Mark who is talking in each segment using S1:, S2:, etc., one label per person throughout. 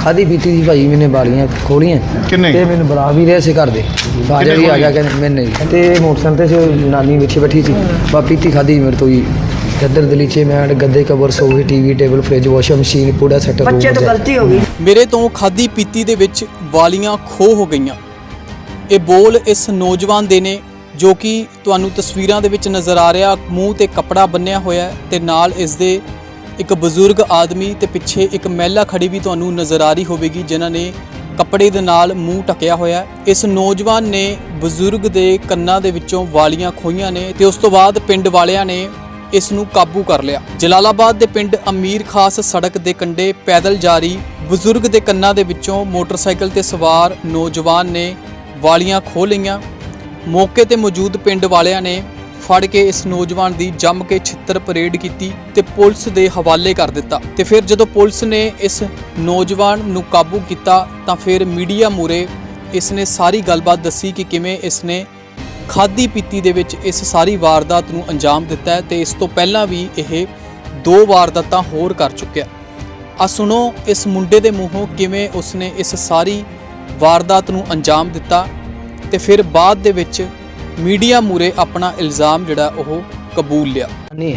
S1: खाधी पीती थी भाई, मैंने बालियां खोलियां
S2: किन्ने
S1: ते मैंने बुला भी रहे थे घर दे बाजा भी आ गया कहने मैंने ते मोटरसाइकिल से नानी पीछे बैठी थी बा पीती खाधी मेरे तो ही गद्दर दलीचे मैट गद्दे कवर सोफे TV table fridge washing machine पूरा सेट
S3: बच्चे तो गलती हो गई।
S4: ਮੇਰੇ ਤੋਂ ਖਾਦੀ ਪੀਤੀ ਦੇ ਵਿੱਚ ਵਾਲੀਆਂ ਖੋਹ ਹੋ ਗਈਆਂ। ਇਹ ਬੋਲ ਇਸ ਨੌਜਵਾਨ ਦੇ ਨੇ ਜੋ ਕਿ ਤੁਹਾਨੂੰ ਤਸਵੀਰਾਂ ਦੇ ਵਿੱਚ ਨਜ਼ਰ ਆ ਰਿਹਾ, ਮੂੰਹ ਤੇ ਕੱਪੜਾ ਬੰਨਿਆ ਹੋਇਆ ਤੇ ਨਾਲ ਇਸ ਦੇ ਇੱਕ ਬਜ਼ੁਰਗ ਆਦਮੀ ਤੇ ਪਿੱਛੇ ਇੱਕ ਮਹਿਲਾ ਖੜੀ ਵੀ ਤੁਹਾਨੂੰ ਨਜ਼ਰ ਆ ਰਹੀ ਹੋਵੇਗੀ ਜਿਨ੍ਹਾਂ ਨੇ ਕੱਪੜੇ ਦੇ ਨਾਲ ਮੂੰਹ ਢੱਕਿਆ ਹੋਇਆ। ਇਸ ਨੌਜਵਾਨ ਨੇ ਬਜ਼ੁਰਗ ਦੇ ਕੰਨਾਂ ਦੇ ਵਿੱਚੋਂ ਵਾਲੀਆਂ ਖੋਹੀਆਂ ਨੇ ਤੇ ਉਸ ਤੋਂ ਬਾਅਦ ਪਿੰਡ ਵਾਲਿਆਂ ਨੇ ਇਸ ਨੂੰ ਕਾਬੂ ਕਰ ਲਿਆ। ਜਲਾਲਾਬਾਦ ਦੇ ਪਿੰਡ ਅਮੀਰ ਖਾਸ ਸੜਕ ਦੇ ਕੰਢੇ ਪੈਦਲ ਜਾਰੀ ਬਜ਼ੁਰਗ ਦੇ ਕੰਨਾਂ ਦੇ ਵਿੱਚੋਂ ਮੋਟਰਸਾਈਕਲ ਤੇ ਸਵਾਰ ਨੌਜਵਾਨ ਨੇ ਵਾਲੀਆਂ ਖੋਹ ਲਈਆਂ। ਮੌਕੇ ਤੇ ਮੌਜੂਦ ਪਿੰਡ ਵਾਲਿਆਂ ਨੇ ਫੜ ਕੇ ਇਸ ਨੌਜਵਾਨ ਦੀ ਜੰਮ ਕੇ ਛਿੱਤਰ ਪਰੇਡ ਕੀਤੀ ਤੇ ਪੁਲਿਸ ਦੇ ਹਵਾਲੇ ਕਰ ਦਿੱਤਾ। ਤੇ ਫਿਰ ਜਦੋਂ ਪੁਲਿਸ ਨੇ ਇਸ ਨੌਜਵਾਨ ਨੂੰ ਕਾਬੂ ਕੀਤਾ ਤਾਂ ਫਿਰ ਮੀਡੀਆ ਮੂਹਰੇ ਇਸ ਨੇ ਸਾਰੀ ਗੱਲਬਾਤ ਦੱਸੀ ਕਿ ਕਿਵੇਂ ਇਸ ਨੇ ਖਾਦੀ ਪੀਤੀ ਦੇ ਵਿੱਚ ਇਸ ਸਾਰੀ ਵਾਰਦਾਤ ਨੂੰ ਅੰਜਾਮ ਦਿੱਤਾ ਹੈ ਤੇ ਇਸ ਤੋਂ ਪਹਿਲਾਂ ਵੀ ਇਹ 2 ਵਾਰਦਾਤਾਂ ਹੋਰ ਕਰ ਚੁੱਕਿਆ। ਆ ਸੁਣੋ ਇਸ ਮੁੰਡੇ ਦੇ ਮੂੰਹੋਂ ਕਿਵੇਂ ਉਸਨੇ ਇਸ ਸਾਰੀ ਵਾਰਦਾਤ ਨੂੰ ਅੰਜਾਮ ਦਿੱਤਾ ਤੇ ਫਿਰ ਬਾਅਦ ਦੇ ਵਿੱਚ ਮੀਡੀਆ ਮੂਰੇ ਆਪਣਾ ਇਲਜ਼ਾਮ ਜਿਹੜਾ ਉਹ ਕਬੂਲ ਲਿਆ।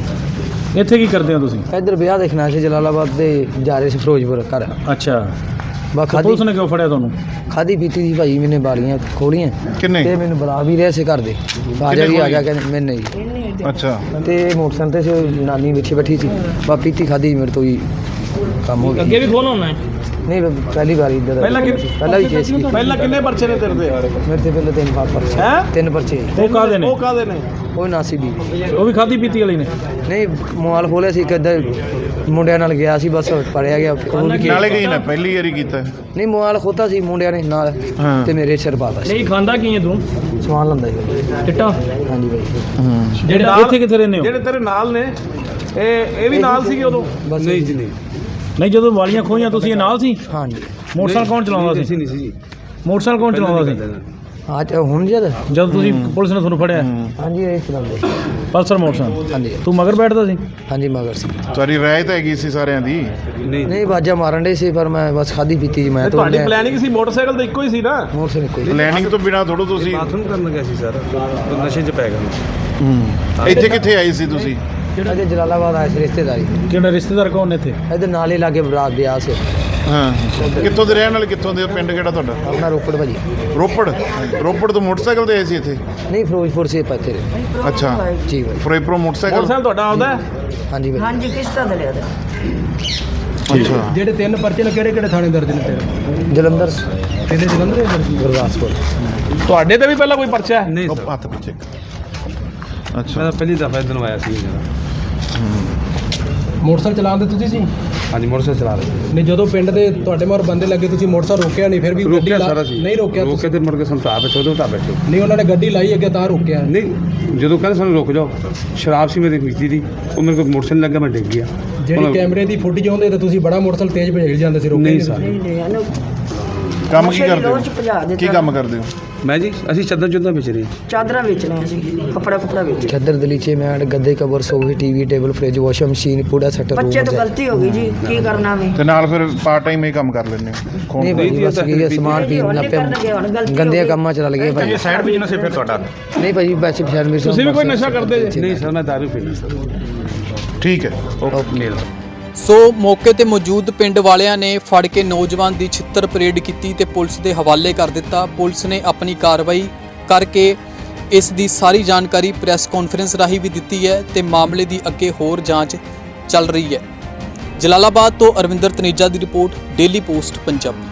S1: नहीं
S5: ਇੱਥੇ ਕੀ ਕਰਦੇ ਹੋ ਤੁਸੀਂ?
S1: इधर ब्याह देखना से जलालाबाद दे जा रहे से फिरोजपुर घर
S5: ਅੱਛਾ,
S1: बा
S5: ਤਾਂ ਪੁਲਿਸ
S1: खाधी
S5: ਨੇ ਕਿਉਂ ਫੜਿਆ ਤੁਹਾਨੂੰ?
S1: खाधी पीती थी भाई, मैंने बालियां खोलियां
S2: किन्ने
S1: ते मैंने बुला भी रहे थे घर दे बाजा भी आ गया कहने मैंने
S2: अच्छा
S1: ते मोटरसाइकिल से नानी पीछे बैठी थी बा पीती खाधी मेरे तो ही काम हो गया।
S5: ਅੱਗੇ ਵੀ ਖੋਲ ਹੋਣਾ ਹੈ।
S1: नहीं पहली बार इधर
S5: पहला
S1: पहला भी केस की
S5: ਪਹਿਲਾਂ ਕਿੰਨੇ ਪਰਚੇ ਨੇ ਤੇਰੇ ਤੇ?
S1: मेरे से पहले 3 पर्चे
S5: हैं?
S1: 3 पर्चे
S5: ਉਹ ਕਾਹਦੇ ਨੇ?
S6: ਕਾਹਦੇ ਨੇ?
S1: ਉਹ ਨਾਸੀ ਵੀ
S5: ਉਹ ਵੀ ਖਾਦੀ ਪੀਤੀ ਵਾਲੀ ਨੇ?
S1: ਨਹੀਂ ਮੋਬਾਈਲ ਖੋਲਿਆ ਸੀ ਕਿੱਦਾਂ ਮੁੰਡਿਆਂ ਨਾਲ ਗਿਆ ਸੀ ਬਸ ਪੜਿਆ ਗਿਆ ਕਬੂਲ ਕੀ
S2: ਨਾਲੇ ਗਈ ਨਾ ਪਹਿਲੀ ਵਾਰੀ ਕੀਤਾ
S1: ਨਹੀਂ ਮੋਬਾਈਲ ਖੋਤਾ ਸੀ ਮੁੰਡਿਆਂ ਨੇ ਨਾਲ
S2: ਹਾਂ।
S1: ਤੇ ਮੇਰੇ ਸਿਰ ਪਾਤਾ ਸੀ
S5: ਨਹੀਂ ਖਾਂਦਾ ਕੀ ਹੈ ਤੂੰ?
S1: ਸਮਾਨ ਲੰਦਾ ਸੀ
S5: ਚਿੱਟਾ?
S1: ਹਾਂਜੀ ਬਾਈ
S5: ਜਿਹੜੇ ਇੱਥੇ ਕਿੱਥੇ ਰਹਿੰਦੇ ਹੋ?
S6: ਜਿਹੜੇ ਤੇਰੇ ਨਾਲ ਨੇ ਇਹ ਵੀ ਨਾਲ ਸੀਗੇ ਉਦੋਂ?
S1: ਬਸ ਨਹੀਂ ਜੀ
S5: ਨਹੀਂ, ਜਦੋਂ ਵਾਲੀਆਂ ਖੋਈਆਂ ਤੁਸੀਂ ਇਹ ਨਾਲ ਸੀ?
S1: ਹਾਂਜੀ
S5: ਮੋਟਰਸਾਈਕਲ ਕੌਣ ਚਲਾਉਂਦਾ ਸੀ? ਮੋਟਰਸਾਈਕਲ ਕੌਣ ਚਲਾਉਂਦਾ ਸੀ
S1: ਅੱਜ ਹੁਣ ਜਦ
S5: ਜਦ ਤੁਸੀਂ ਪੁਲਿਸ ਨੇ ਤੁਹਾਨੂੰ ਫੜਿਆ?
S1: ਹਾਂਜੀ ਇਹ ਚਲਾਉਂਦੇ
S5: ਪਲਸਰ ਮੋਟਰਸਾਈਕਲ?
S1: ਹਾਂਜੀ
S5: ਤੂੰ ਮਗਰ ਬੈਠਦਾ ਸੀ?
S1: ਹਾਂਜੀ ਮਗਰ ਸੀ
S2: ਤੁਹਾਡੀ ਰਾਏ ਤਾਂ ਹੈਗੀ ਸੀ ਸਾਰਿਆਂ ਦੀ।
S1: ਨਹੀਂ ਬਾਜਾ ਮਾਰਨ ਦੇ ਸੀ ਪਰ ਮੈਂ ਬਸ ਖਾਦੀ ਪੀਤੀ ਜੀ ਮੈਂ
S6: ਤੁਹਾਡੀ ਪਲੈਨਿੰਗ ਸੀ ਮੋਟਰਸਾਈਕਲ ਤਾਂ ਇੱਕੋ ਹੀ ਸੀ ਨਾ?
S1: ਮੋਟਰਸਾਈਕਲ ਕੋਈ
S2: ਪਲੈਨਿੰਗ ਤੋਂ ਬਿਨਾ ਥੋੜੋ ਤੁਸੀਂ
S6: ਬਾਥਰੂਮ ਕਰਨ ਗਿਆ ਸੀ ਸਰ, ਨਸ਼ੇ 'ਚ ਪੈ ਗਿਆ।
S2: ਇੱਥੇ ਕਿੱਥੇ ਆਈ ਸੀ ਤੁਸੀਂ?
S1: ਅਜੇ ਜਲਾਲਾਬਾਦ ਆਏ ਸੀ ਰਿਸ਼ਤੇਦਾਰੀ
S5: ਕਿਹੜਾ ਰਿਸ਼ਤੇਦਾਰ ਕੌਣ ਨੇ ਇੱਥੇ?
S1: ਇਹਦੇ ਨਾਲ ਹੀ ਲਾਗੇ ਬਰਾਤ ਵਿਆਹ ਸੀ
S2: ਹਾਂ, ਕਿੱਥੋਂ ਦੇ ਰਹਿਣ ਵਾਲੇ? ਕਿੱਥੋਂ ਦੇ? ਪਿੰਡ ਕਿਹੜਾ ਤੁਹਾਡਾ?
S1: ਆਪਣਾ ਰੋਪੜ ਭਾਜੀ
S2: ਰੋਪੜ ਤੋਂ ਮੋਟਰਸਾਈਕਲ ਤੇ ਆਏ ਸੀ ਇੱਥੇ?
S1: ਨਹੀਂ ਫਿਰੋਜ਼ਪੁਰ ਸੇ ਪੱਥੇ
S2: ਅੱਛਾ,
S1: ਜੀ ਭਾਈ
S2: ਫਿਰੋਜ਼ਪੁਰ ਮੋਟਰਸਾਈਕਲ।
S6: ਮੋਟਰਸਾਈਕਲ ਤੁਹਾਡਾ ਆਉਂਦਾ ਹੈ?
S1: ਹਾਂਜੀ ਭਾਈ
S3: ਹਾਂਜੀ ਕਿਸ਼ਤਾਂ ਤੇ ਲਿਆ
S2: ਅੱਛਾ,
S5: ਜਿਹੜੇ 3 ਪਰਚੇ ਨੇ ਕਿਹੜੇ ਥਾਣੇ ਦਰਜ ਨੇ ਤੇਰੇ?
S1: ਜਲੰਧਰ
S5: ਕਿਹਦੇ ਜਲੰਧਰ?
S1: ਗੁਰਦਾਸਪੁਰ
S6: ਤੁਹਾਡੇ ਤੇ ਵੀ ਪਹਿਲਾਂ ਕੋਈ ਪਰਚਾ ਹੈ?
S2: ਉਹ ਹੱਥ ਪਿੱਛੇ। ਅੱਛਾ,
S6: ਮੈਂ ਪਹਿਲੀ ਦਫਾ ਇਧਰ ਆਇਆ ਸੀ ਜਰਾ।
S5: ਮੋਟਰਸਾਈਕਲ ਚਲਾਉਂਦੇ ਤੁਸੀਂ ਸੀ?
S6: ਹਾਂਜੀ ਮੋਟਰਸਾਈਕਲ ਚਲਾ ਰਹੇ
S5: ਨਹੀਂ, ਜਦੋਂ ਪਿੰਡ ਦੇ ਤੁਹਾਡੇ ਮਗਰ ਬੰਦੇ ਲੱਗੇ ਤੁਸੀਂ ਮੋਟਰਸਾਈਕਲ ਰੋਕਿਆ ਨਹੀਂ? ਫਿਰ ਵੀ
S6: ਰੋਕਿਆ ਸਾਰਾ ਸੀ।
S5: ਨਹੀਂ ਰੋਕਿਆ
S6: ਰੋਕ ਕੇ ਤੇ ਮੁੜ ਕੇ ਸੰਤਾਪ ਵਿੱਚ ਉਹਦੇ ਤਾਂ ਬੈਠੇ
S5: ਨਹੀਂ, ਉਹਨਾਂ ਨੇ ਗੱਡੀ ਲਾਈ ਅੱਗੇ ਤਾਂ ਰੋਕਿਆ
S6: ਨਹੀਂ। ਜਦੋਂ ਕਹਿੰਦੇ ਸਾਨੂੰ ਰੁਕ ਜਾਓ, ਸ਼ਰਾਬ ਸੀ ਮੇਰੀ ਪੀਤੀ ਦੀ, ਉਹ ਮੇਰੇ ਕੋਲ ਮੋਟਰਸਾਈਕਲ ਲੱਗਾ, ਮੈਂ ਡਿੱਗ ਗਿਆ।
S5: ਜਿਹੜੀ ਕੈਮਰੇ ਦੀ ਫੁਟੇਜ ਆਉਂਦੇ ਤਾਂ ਤੁਸੀਂ ਬੜਾ ਮੋਟਰਸਾਈਕਲ ਤੇਜ਼ ਭੇਜ ਜਾਂਦੇ ਸੀ, ਰੋਕਿਆ
S6: ਨਹੀਂ
S5: ਨਹੀਂ
S6: ਸਰ।
S3: ਨਹੀਂ ਇਹਨੂੰ
S2: ਕੰਮ ਕੀ ਕਰਦੇ
S3: ਰੋਜ਼ ਭਜਾ
S2: ਹੋ?
S3: ਦਿੱਤਾ।
S2: ਕੀ ਕੰਮ ਕਰਦੇ ਹੋ?
S6: ਮੈਂ ਜੀ ਅਸੀਂ ਚੱਦਰ ਚੁੱਦਾਂ ਵਿੱਚ ਰਹੇ।
S3: ਚਾਦਰਾਂ ਵੇਚਣੇ ਅਸੀਂ, ਕੱਪੜਾ ਵੇਚ।
S1: ਚਾਦਰ ਦਲੀਚੇ ਮੈਟ ਗੱਦੇ ਕਵਰ ਸੋਫੇ TV table fridge washing machine ਪੂਰਾ ਸੈਟ
S3: ਬੱਚੇ ਤੋਂ ਗਲਤੀ ਹੋ ਗਈ ਜੀ, ਕੀ ਕਰਨਾ ਵੀ।
S2: ਤੇ ਨਾਲ ਫਿਰ ਪਾਰਟ ਟਾਈਮ ਇਹ ਕੰਮ ਕਰ ਲੈਂਦੇ ਹੋ?
S1: ਨਹੀਂ ਭਾਈ ਬਸ ਕੀ ਹੈ, ਸਮਾਨ ਪੀਣ ਲੱਗ ਪਿਆ ਗੰਦੇ ਕੰਮਾਂ ਚ ਲੱਗ ਗਏ ਭਾਈ।
S6: ਸਾਈਡ ਬਿਜ਼ਨਸ ਹੈ ਫਿਰ ਤੁਹਾਡਾ?
S1: ਨਹੀਂ ਭਾਈ ਵੈਸੇ ਪਛਾਣ ਮੇਰੇ
S6: ਤੁਸੀਂ ਵੀ ਕੋਈ ਨਸ਼ਾ ਕਰਦੇ ਜੀ? ਨਹੀਂ ਸਰ, ਮੈਂ ਦਾਰੂ ਪੀਂਦਾ ਸਰ।
S2: ਠੀਕ ਹੈ,
S1: ਓਕੇ।
S4: ਸੋ ਮੌਕੇ ਤੇ ਮੌਜੂਦ ਪਿੰਡ ਵਾਲਿਆਂ ਨੇ ਫੜ ਕੇ ਨੌਜਵਾਨ ਦੀ ਛਿੱਤਰ ਪਰੇਡ ਕੀਤੀ ਤੇ ਪੁਲਿਸ ਦੇ ਹਵਾਲੇ ਕਰ ਦਿੱਤਾ। ਪੁਲਿਸ ਨੇ ਆਪਣੀ ਕਾਰਵਾਈ ਕਰਕੇ ਇਸ ਦੀ ਸਾਰੀ ਜਾਣਕਾਰੀ ਪ੍ਰੈਸ ਕਾਨਫਰੰਸ ਰਾਹੀਂ ਵੀ ਦਿੱਤੀ ਹੈ ਤੇ ਮਾਮਲੇ ਦੀ ਅੱਗੇ ਹੋਰ ਜਾਂਚ ਚੱਲ ਰਹੀ ਹੈ। ਜਲਾਲਾਬਾਦ ਤੋਂ ਅਰਵਿੰਦਰ ਤਨੇਜਾ ਦੀ ਰਿਪੋਰਟ, ਡੇਲੀ ਪੋਸਟ ਪੰਜਾਬੀ।